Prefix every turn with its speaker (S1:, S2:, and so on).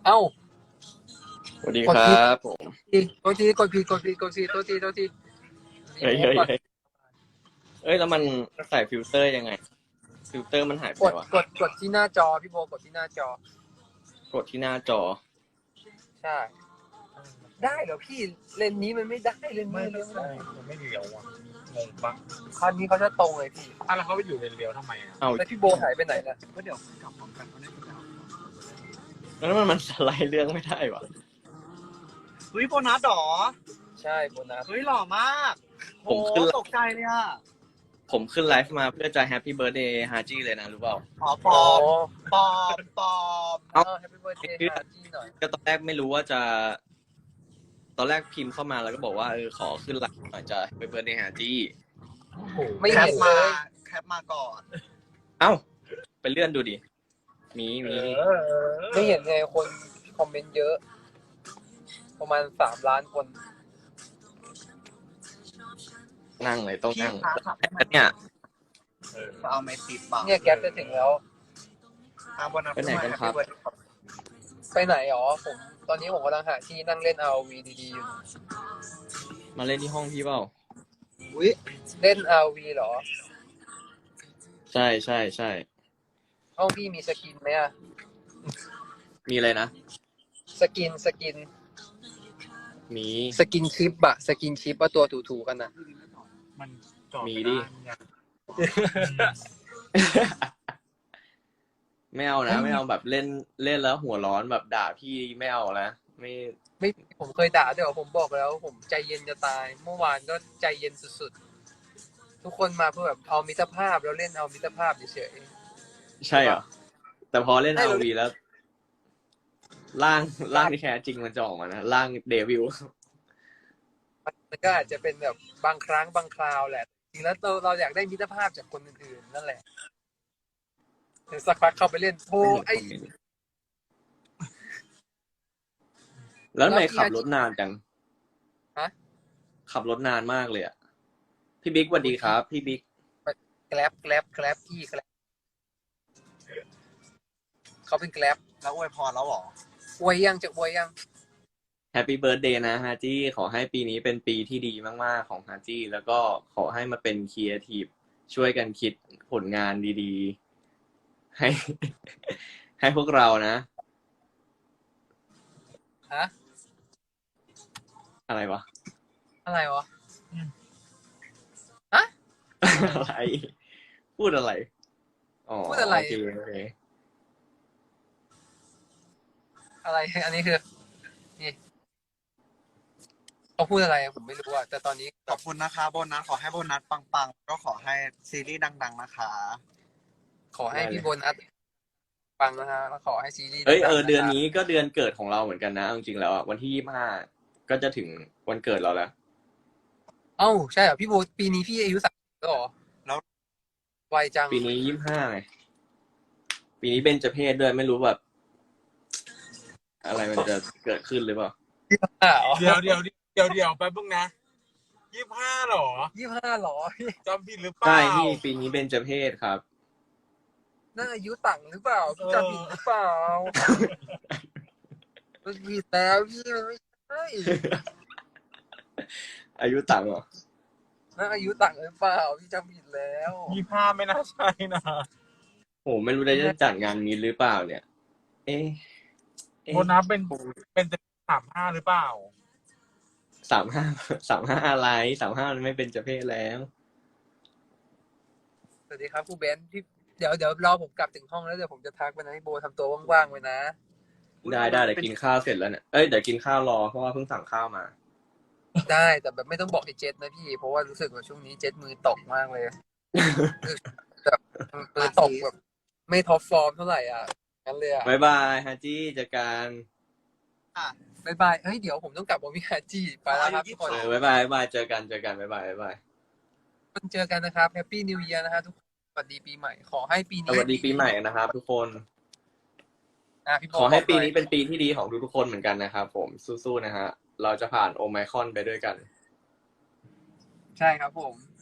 S1: เอ้า
S2: สวัสดี
S1: กดผิด
S2: ครับผม
S1: กดผิดโทษที
S2: เฮ้ยเฮ้ยเฮ้ยเอ้ยแล้วมันใส่ฟิลเตอร์ยังไงฟิลเตอร์มันหายไป
S1: กด
S2: วะ
S1: กดที่หน้าจอพี่โบกดที่หน้าจอก
S2: ดที่หน้าจอ
S1: ใช่ได้เหรอพี่เลนนี้มันไม่ได้เลนนี้เลี้ยวไม่ได้
S3: มันไม่เลี้ยวอ่ะงงปะ
S1: คันนี้เขาจะตรงเลยพี่
S3: แล้วเขาไปอยู่เลนเลี้ยวทำไมอ่ะ
S2: เอา
S1: แล้วพี่โบหายไปไหนล่ะ
S3: ก็เดี๋ยวกลับพร้อมกันเขาได้กลับ
S2: แล้วมันสไลด์เรื่องไม่ได้วะ
S3: เฮ้ยโบนัสหรอ
S1: ใช่โบนัส
S3: เฮ้ยหล่อมาก
S2: ผมขึ้น
S3: ตกใจเลยอ่ะ
S2: ผมขึ้นไลฟ์มาเพื่อจะแฮปปี้เบิร์ธเดย์ฮาจี้เลยนะรู้เปล่า
S3: ปลอม
S1: แฮปปี้เบิร์ดเดย์ฮาจี้หน่อย
S2: ก็ตอนแรกไม่รู้ว่าจะตอนแรกพิมพ์เข้ามาแล้วก็บอกว่าขอขึ้นไลฟ์หน่อยจะแฮปปี้เบิร์ธเดย์ฮาจี้
S1: ไม่เห็นเลย
S3: แคปมาก่อน
S2: เอ้าไปเลื่อนดูดิมี
S1: ไม่เห็นเลยคนคอมเมนต์เยอะประมาณ3 ล้านคน
S2: นั่งเลยต้องนั่งเนี่ย
S3: เอาไม่ติดปาก
S1: เนี่ยแก๊ปจะถึงแล้ว
S2: ไปไหนกันครับ
S1: ไปไหนอ๋อผมตอนนี้ผมกำลังหาที่นั่งเล่น RV ดีๆอยู่
S2: มาเล่นที่ห้องพี่เปล่า
S1: เล่น RV เหรอ
S2: ใช่ใช่ใช่
S1: ห้องพี่มีสกินไหมอะ
S2: มีอะไรนะ
S1: สกิน
S2: มี
S1: สกินชิปอะสกินชิปว่าตัวถูๆกันนะ
S3: มัน
S2: มีดิไม่เอานะไม่เอาแบบเล่นแล้วหัวร้อนแบบด่าพี่ไม่เอานะไม่
S1: ผมเคยด่าด้วยผมบอกแล้วผมใจเย็นจะตายเมื่อวานก็ใจเย็นสุดๆทุกคนมาเพื่อแบบเอามิตรภาพแล้วเล่นเอามิตรภาพเฉย
S2: ๆใช่เหรอแต่พอเล่น RV แล้วร่างที่แท้จริงมันจะออกมานะร่างเดวิล
S1: มันก็อาจจะเป็นแบบบางครั้งบางคราวแหละจริงแล้วเราอยากได้มิตรภาพจากคนอื่นๆนั่นแหละเดี๋ยวสักพักเข้าไปเล่นโอ้ไอ
S2: แล้วทำไมขับรถนานจัง
S1: ฮะ
S2: ขับรถนานมากเลยอ่ะพี่บิ๊กสวัสดีครับพี่บิ๊ก
S1: แกร็บพี่แกร็บเขาเป็นแกร็บ
S3: แล้วอวยพรแล้วหรอ
S1: อวยยังจะอวยยัง
S2: แฮปปี้เบิร์ธเดย์นะฮาจี้ขอให้ปีนี้เป็นปีที่ดีมากๆของฮาจี้แล้วก็ขอให้มาเป็นครีเอทีฟช่วยกันคิดผลงานดีๆให้พวกเรานะ
S1: ฮะ
S2: อะไรวะ
S1: ฮะ
S2: อะไรพูดอะไรอ๋อ
S1: พูดอะไร
S2: โอเค
S1: อะไรอันนี้คือนี่เขาพูดอะไรผมไม่รู้อะแต่ตอนนี้
S3: ขอบคุณนะคะโบนัสขอให้โบนัสปังๆก็ขอให้ซีรีส์ดังๆนะคะ
S1: ขอให้พี่โบนัสฟังนะฮะแล้วขอให้ซีรีส์
S2: เดือนนี้ก็เดือนเกิดของเราเหมือนกันนะจริงๆแล้วอ่ะวันที่25ก็จะถึงวันเกิดเราแล้ว
S1: เอ้าใช่เหรอพี่โบปีนี้พี่อายุ30แล้วเหรอ
S3: แล้ว
S1: ไวจัง
S2: ปีนี้25ไงปีนี้เบญจเพสด้วยไม่รู้แบบอะไรมันจะเกิดขึ้นหรือเปล่า
S3: เดี๋ยวไปบ้างนะ25หรอ
S1: 25หรอ
S3: จำผิดหรือเปล่า
S2: ใช่พี่ปีนี้เบญจเพสครับ
S1: น่าอายุต่างหรือเปล่าพี่จำผิดหรือเปล่ามันผิดแล้วพี่มันไม่ใช่
S2: อายุต่างเหรอ
S1: น่าอายุต่างหรือเปล่าพี่จำผิดแล้ว
S3: 25ไม่น่าใช่นะ
S2: โหไม่รู้ได้จะจัดงานนี้หรือเปล่าเนี่ย
S3: โบนัสเป็น35หรือเปล่า
S2: 35อะไร35มันไม่เป็นเจเพศแล้ว
S1: สวัสดีครับครูเบนพี่เดี๋ยวรอผมกลับถึงห้องแล้วเดี๋ยวผมจะทักไปนะให้โบทำตัวว่างๆไว้นะ
S2: ได้เดี๋ยวกินข้าวเสร็จแล้วเนี่ยเดี๋ยวกินข้าวรอเพราะว่าเพิ่งสั่งข้าวมา
S1: ได้แต่แบบไม่ต้องบอกไอ้เจ็ดนะพี่เพราะว่ารู้สึกว่าช่วงนี้เจ็ดมือตกมากเลยแบบมือตกแบบไม่ท็อปฟอร์มเท่าไหร่อ่ะงั้นเลยอ่ะ
S2: บ๊ายบายฮาจี้เจอกัน
S1: บ๊ายบายเฮ้ยเดี๋ยวผมต้องกลับวอมิฮาจี้ไปแล้วครับทุกคน
S2: บ๊ายบายเจอกันบ๊ายบาย
S1: เจอกันนะครับแฮปปี้นิวเยียร์นะฮะทุกคนสวัสดีปีใหม่ขอให้ปีนี้
S2: สวัสดีปีใหม่นะครับทุกคน
S1: พี่
S2: ขอให้ปีนี้เป็นปีที่ดีของทุกคนเหมือนกันนะครับผมสู้ๆนะฮะเราจะผ่านโอไมครอนไปด้วยกัน
S1: ใช่ครับผม